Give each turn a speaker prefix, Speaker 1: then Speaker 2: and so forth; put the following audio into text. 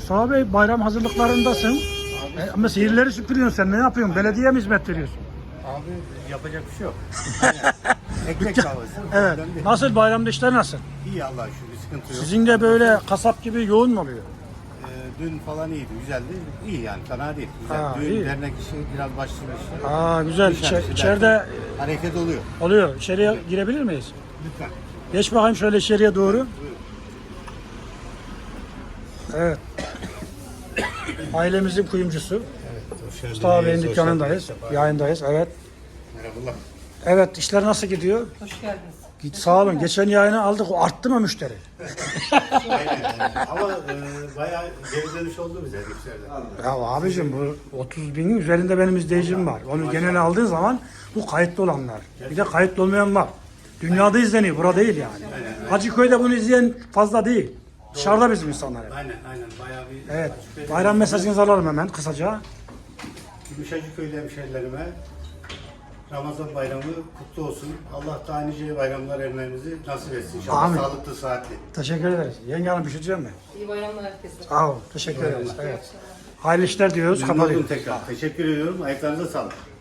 Speaker 1: Mustafa Bey, bayram hazırlıklarındasın. Ama sihirleri süpürüyorsun sen. Ne yapıyorsun? Belediyeye mi hizmet veriyorsun?
Speaker 2: Abi yapacak bir şey yok. Aynen. Ekmek kahvesi.
Speaker 1: Evet.
Speaker 2: Problem değil.
Speaker 1: Nasıl, bayramda işler nasıl?
Speaker 2: İyi Allah'a şükür, bir sıkıntı yok.
Speaker 1: Sizin de böyle kasap gibi yoğun mu oluyor?
Speaker 2: Dün falan iyiydi, güzeldi. İyi yani, fena değil. Güzel.
Speaker 1: Ha,
Speaker 2: Dün
Speaker 1: iyi.
Speaker 2: dernek işi biraz başladı işte.
Speaker 1: Aa, güzel.
Speaker 2: Dışarı,
Speaker 1: İçeride
Speaker 2: hareket oluyor.
Speaker 1: oluyor. İçeriye girebilir miyiz?
Speaker 2: Lütfen.
Speaker 1: Geç bakayım şöyle içeriye doğru.
Speaker 2: Buyurun.
Speaker 1: Evet. Ailemizin kuyumcusu.
Speaker 2: Evet, hoş geldiniz.
Speaker 1: Mustafa Bey'in
Speaker 2: Hoş
Speaker 1: dükkanındayız.
Speaker 2: geldiniz.
Speaker 1: Yayındayız. Evet.
Speaker 2: Merhabalar.
Speaker 1: Evet, işler nasıl gidiyor?
Speaker 3: Hoş geldiniz.
Speaker 1: Git, sağ olun. Geçen yayını aldık. O arttı mı müşteri?
Speaker 2: Aynen. Ama bayağı geri dönüş oldu bize müşteriden.
Speaker 1: Ya abicim, bu 30 binin üzerinde benim izleyicim var. Onu genel aldığın zaman bu kayıtlı olanlar. Bir de kayıtlı olmayan var. Dünyada izleniyor. Burada değil yani. Hacıköy'de bunu izleyen fazla değil. Dışarıda bizim insanlar.
Speaker 2: Aynen, bayağı bir...
Speaker 1: Evet. Bayram mesajınızı alalım hemen kısaca.
Speaker 2: Gümüşhacıköy'lü hemşehrilerime Ramazan bayramı kutlu olsun. Allah da nice bayramlar ermenizi nasip etsin. İnşallah
Speaker 1: Amin.
Speaker 2: sağlıklı, sıhhatli.
Speaker 1: Teşekkür ederiz. Yenge Hanım, bir şey diyeceğim mi?
Speaker 3: İyi bayramlar herkese.
Speaker 1: Sağ ol. Teşekkür ederiz. Evet. Hayırlı işler diyoruz.
Speaker 2: Memnun oldum
Speaker 1: Kapatıyoruz.
Speaker 2: tekrar. Teşekkür ediyorum. Ayaklarınıza sağlık.